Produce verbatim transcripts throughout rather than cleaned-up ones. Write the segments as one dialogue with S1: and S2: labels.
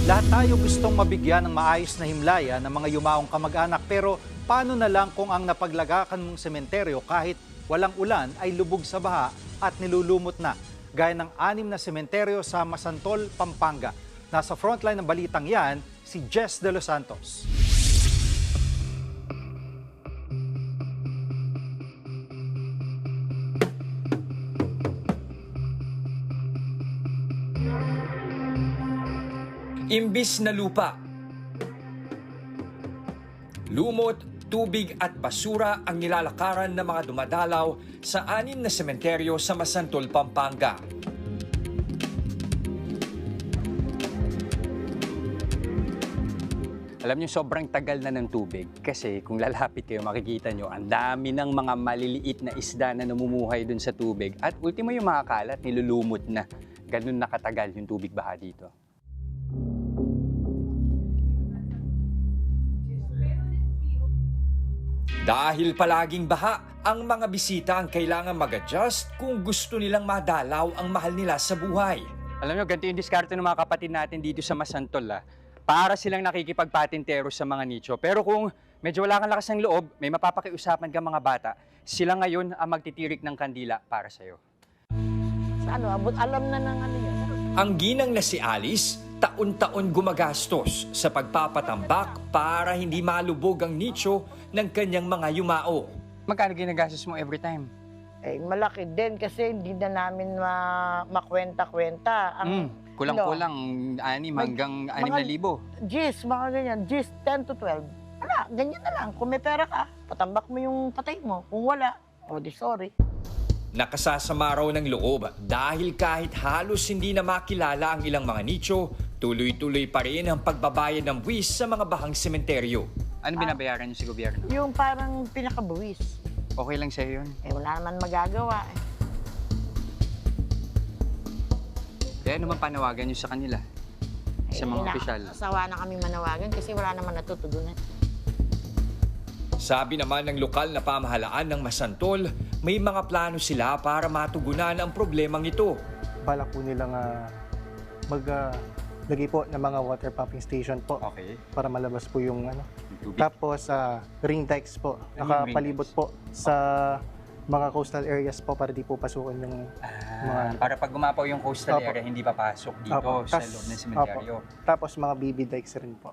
S1: Lahat tayo gustong mabigyan ng maayos na himlaya ng mga yumaong kamag-anak, pero paano na lang kung ang napaglagakan mong sementeryo kahit walang ulan ay lubog sa baha at nilulumot na, gaya ng anim na sementeryo sa Masantol, Pampanga. Nasa frontline ng balitang yan, si Jess De Los Santos.
S2: Imbis na lupa, lumot, tubig at basura ang nilalakaran ng mga dumadalaw sa anim na sementeryo sa Masantol, Pampanga.
S3: Alam niyo, sobrang tagal na ng tubig kasi kung lalapit kayo, makikita niyo ang dami ng mga maliliit na isda na namumuhay dun sa tubig at ultimo yung mga kalat, nilulumot na. Ganun nakatagal yung tubig baha dito.
S2: Dahil palaging baha, ang mga bisita ang kailangan mag-adjust kung gusto nilang madalaw ang mahal nila sa buhay.
S3: Alam niyo, ganito yung diskarte ng mga kapatid natin dito sa Masantol. Ah. Para silang nakikipagpatintero sa mga nicho. Pero kung medyo wala kang lakas ng loob, may mapapakiusapan ka mga bata, sila ngayon ang magtitirik ng kandila para sa'yo.
S4: Sa ano, abot alam na ng ano yan.
S2: Ang ginang na si Alice, taon-taon gumagastos sa pagpapatambak para hindi malubog ang nicho ng kanyang mga yumao.
S3: Magkano ginagastos mo every time?
S4: Eh, malaki din kasi hindi na namin ma makwenta-kwenta. Ang
S3: Mm, kulang-kulang anim
S4: Mag-
S3: hanggang anim na
S4: mga-
S3: libo.
S4: Gis, mga ganyan, gis, ten to twelve. Wala, ganyan na lang. Kung may pera ka, patambak mo yung patay mo. Kung wala, o di sorry.
S2: Nakasasama raw ng loob dahil kahit halos hindi na makilala ang ilang mga nicho, tuloy-tuloy pa rin ang pagbabayad ng buwis sa mga bahang sementeryo.
S3: Ano binabayaran niyo sa gobyerno?
S4: Yung parang pinakabuwis.
S3: Okay lang sa'yo yun.
S4: Eh, wala naman magagawa eh.
S3: Kaya naman panawagan niyo sa kanila, sa mga
S4: Eh,
S3: opisyal.
S4: Asawa na kaming manawagan kasi wala naman natutugunan.
S2: Sabi naman ng lokal na pamahalaan ng Masantol, may mga plano sila para matugunan ang problemang ito.
S5: Balak po nilang uh, maglagay po ng mga water pumping station po
S3: Okay.
S5: para malabas po yung ano.
S3: Yung tubig.
S5: Tapos uh, ring dikes po,
S3: Ano yung
S5: nakapalibot
S3: ring
S5: po sa mga coastal areas po para di po pasukin yung
S3: Ah,
S5: mga-
S3: para pag gumapaw yung coastal
S5: Opo.
S3: area, hindi papasok dito
S5: Opo.
S3: sa
S5: Tas-
S3: loob ng sementeryo.
S5: tapos mga B B dikes rin po.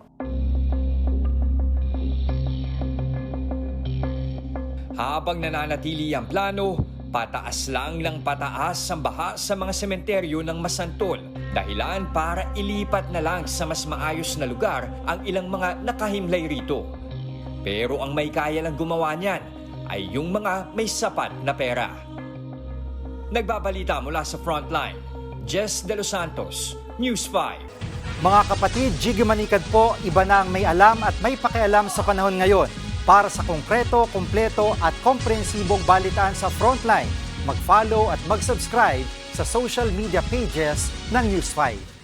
S2: Habang nananatili ang plano, pataas lang ng pataas ang baha sa mga sementeryo ng Masantol. Dahilan para ilipat na lang sa mas maayos na lugar ang ilang mga nakahimlay rito. Pero ang may kaya lang gumawa niyan ay yung mga may sapat na pera. Nagbabalita mula sa Frontline, Jess De Los Santos, News five.
S1: Mga kapatid, Jiggy Manikad po, iba na ang may alam at may pakialam sa panahon ngayon. Para sa konkreto, kumpleto at komprehensibong balitaan sa Frontline, mag-follow at mag-subscribe sa social media pages ng News five.